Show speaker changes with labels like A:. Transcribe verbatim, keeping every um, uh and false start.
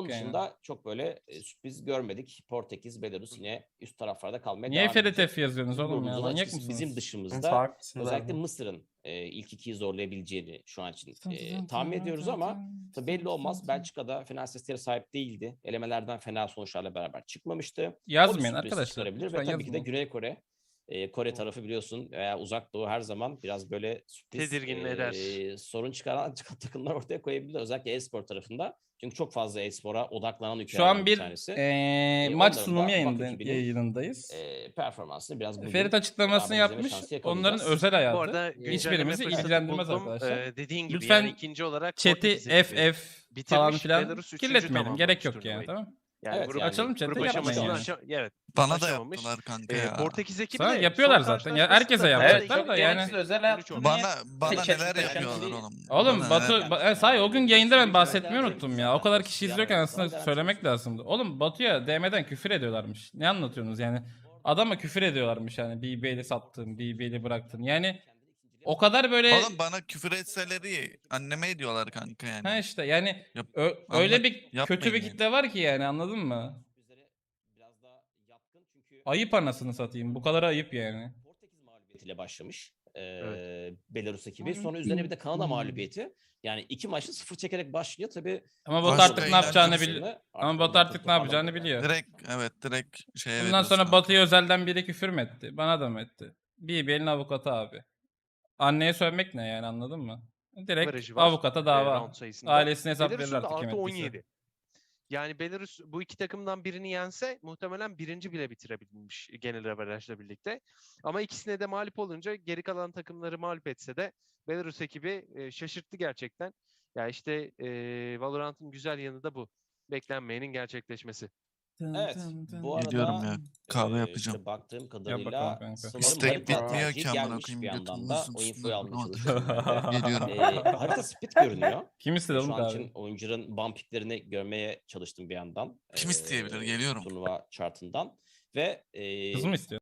A: Onun
B: yani.
A: dışında çok böyle e, sürpriz görmedik. Portekiz, Belarus yine üst taraflarda kalmaya
B: Niye
A: devam
B: F R T
A: edecek.
B: F yazıyorsunuz
A: Bizim
B: oğlum ya?
A: grubumuzda da
B: Manyak
A: açıkçası bizim
B: mısınız?
A: dışımızda
C: Haklısınız
A: özellikle
C: abi.
A: Mısır'ın e, ilk ikiyi zorlayabileceğini şu an için e, tahmin ediyoruz ama tabii belli olmaz. Belçika'da final sesleri sahip değildi. Elemelerden fena sonuçlarla beraber çıkmamıştı. O bir
B: Yazmayın
A: sürpriz
B: arkadaşlar.
A: çıkarabilir
B: Lütfen
A: ve tabii ki de
B: yazmayın.
A: Güney Kore. E, Kore tarafı biliyorsun veya Uzak Doğu her zaman biraz böyle sürpriz
D: Tedirgin
A: e,
D: eder.
A: sorun çıkaran takımlar ortaya koyabilir. Özellikle e-spor tarafında. Çünkü çok fazla e-spora odaklanan
B: Şu
A: ülkelerden
B: an
A: bir
B: bir
A: tanesi.
B: eee,
A: E,
B: maç
A: onların
B: sunumu
A: da Bak
B: yayında,
A: ekibinin
B: yayınındayız.
A: e, performansını biraz bugün
B: Ferit açıklamasını
A: beraber izleme
B: yapmış.
A: şansı
B: Onların
A: yakalayacağız.
B: özel
D: Bu
B: hayatı.
D: arada güncelleme
B: Hiçbirimizi
D: fırsatı
B: ilgilendirmez
D: buldum.
B: arkadaşlar.
D: Ee, dediğin gibi
B: Lütfen
D: yani ikinci olarak
B: chat'i
D: Portekiz
B: F
D: ekibi
B: F falan
D: bitirmiş.
B: filan
D: Belarus üçüncü
B: kirletmeyelim. Gerek
D: tamamlamış
B: yok yani,
D: turnuvayı.
B: tamam.
D: Yani
A: Evet
D: grup,
A: yani
B: Açalım chat'i,
D: grup
B: yapmayın
D: aşamasını
B: yani.
D: aşa- evet.
E: Bana da
D: aşamamış.
E: yaptılar kanka
D: Ee,
E: ya.
D: Portekiz ekibi
B: Sana
D: de
B: yapıyorlar
D: son
B: zaten. Ya
D: karşılaşmasında
B: herkese
D: da
B: yapacaklar
D: yani
B: da
C: Çok
B: yani.
C: gereksiz özel
D: on üç
C: hayatını
D: oldu.
C: niye
E: Bana bana
C: seçip
E: neler
C: de
E: yapıyorlar
C: kendi-
E: oğlum.
B: Oğlum
E: Bana
B: Batu,
E: neler-
B: ba- e, sahi o gün yayında ben bahsetmeyi
A: Garanti
B: unuttum ya. O kadar kişi
A: zaten.
B: izliyorken aslında
A: Garanti
B: söylemek
A: olsun.
B: lazımdı. Oğlum Batu'ya D M'den küfür ediyorlarmış. Ne anlatıyorsunuz yani? Adama küfür ediyorlarmış yani. B B L'yi sattın, B B L'yi bıraktın. Yani o kadar böyle...
E: Oğlum bana küfür etseleri anneme ediyorlar kanka yani.
B: Ha işte yani
E: Yap-
B: ö- öyle
E: anla-
B: bir kötü
E: yapmayın
B: bir
E: yani.
B: kitle var ki yani, anladın mı?
A: Biraz daha yatkın çünkü
B: Ayıp anasını satayım. Bu kadar ayıp yani.
A: Portekiz mağlubiyetiyle başlamış. Ee,
D: Evet.
A: Belarus ekibi. Sonra üzerine bir de Kanada mağlubiyeti. Yani iki maçta sıfır çekerek başlıyor. Tabii
B: Ama Batu
E: Başka
B: artık ne
E: eğlence
B: yapacağını
E: misin?
B: biliyor.
A: Artık
B: Ama Batu
A: oradan
B: artık ne yapacağını
A: toparlandı.
B: biliyor.
E: Direkt evet direkt şeye
B: Bundan
E: veriyoruz
B: sonra
E: kanka.
B: Batu'ya özelden biri küfür mü etti? Bana da mı etti? B B L'in avukatı abi. Anneye sövmek ne yani, anladın mı? Direkt
D: Averajı var,
B: avukata
D: e,
B: dava.
D: round sayısında.
B: Ailesine hesap verir
D: Belarus'un da
B: artık kim
D: artı on
B: ettiyse.
D: yedi. Yani Belarus bu iki takımdan birini yense muhtemelen birinci bile bitirebilmiş genel averajla birlikte. Ama ikisine de mağlup olunca geri kalan takımları mağlup etse de Belarus ekibi e, şaşırttı gerçekten. Ya işte e, Valorant'ın güzel yanı da bu. Beklenmeyenin gerçekleşmesi.
A: Evet. Bu
E: Gidiyorum
A: arada
E: ya. Kahve
A: e,
E: yapacağım.
A: işte baktığım
B: Yap
A: kadarıyla
B: bakalım kanka.
A: sanırım
E: İstek
A: harita
E: bitmiyor
A: tercihi
E: ki amına
A: gelmiş
E: koyayım,
A: bir yandan
E: götümün
A: da.
E: üstüne
A: O infoyu almaya
E: üstüne.
A: çalışıyorum ben de.
E: Geliyorum.
A: E, harita split görünüyor.
B: Kim istedi
A: E,
B: oğlum
A: Şu an
B: kahve?
A: için oyuncuların bump picklerini görmeye çalıştım bir yandan.
E: Kim isteyebilir? Geliyorum.
A: Turnuva chartından. Ve e,
B: Kız mı istiyor?